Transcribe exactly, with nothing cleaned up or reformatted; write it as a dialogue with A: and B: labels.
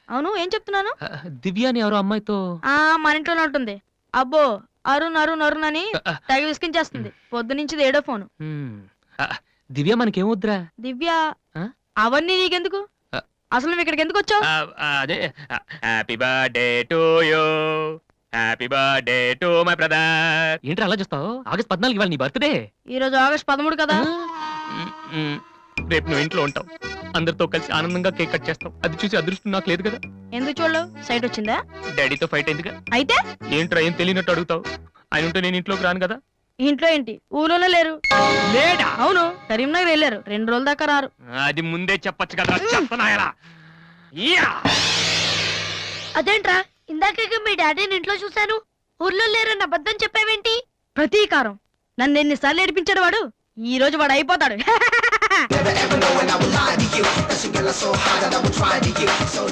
A: అవును ఏం చెప్తున్నాను?
B: ఆ, దివ్య అని ఎవరో అమ్మాయితో
A: ఆ మన ఇంట్లోనే ఉంటుంది. అబ్బో అరుణ్ అరుణ్ అరుణ్ అని
B: ఆ, ఆ,
A: తెగ విసిగించేస్తుంది. పొద్దు నుంచి ఏడో ఫోను.
B: హ్మ్. ఆ, దివ్య మనకేమొద్దురా?
A: దివ్య
B: ఆ?
A: అవన్నీ నీకెందుకు?
B: ఆ.
A: అసలు నువ్వు ఇక్కడికి ఎందుకు వచ్చావు?
B: ఆ, ఆ, అదే happy birthday to you happy birthday to my brother. ఏంటి అలా చూస్తావు? ఆగస్ట్ పద్నాలుగు ఇవాళ నీ బర్త్డే.
A: ఈ రోజు ఆగస్ట్ పదమూడు కదా.
B: రేపు నువ్వు ఇంట్లో ఉంటావు, అందరితో కలిసి ఆనందంగా కేక్ కట్ చేస్తావు. అది చూసి అదృష్టం నాకు లేదు కదా.
A: ఎందుకు చూడలేవు? సైట్ వచ్చిందా?
B: డాడీతో ఫైట్ అయిందిగా.
A: అయితే
B: ఏంట్రా ఏం తెలియనట్టు అడుగుతావు? ఆయన ఉంటే నేను ఇంట్లోకి రాను కదా.
A: ఇంట్లో ఏంటి? ఊళ్ళోనే లేరు.
B: లేడా?
A: అవును కరీంనగర్ వెళ్ళారు. రెండు రోజుల దాకా రారు.
B: అది ముందే చెప్పొచ్చు కదా. చెప్పనాయలా
C: అదేంట్రా ఇందాక మీ డాడీని ఇంట్లో చూశాను, ఊర్లో లేరన్న అబద్ధం చెప్పావేంటి?
A: ప్రతీకారం. నన్ను ఎన్నిసార్లు ఏడిపించాడు వాడు. ఈ రోజు వాడు అయిపోతాడు.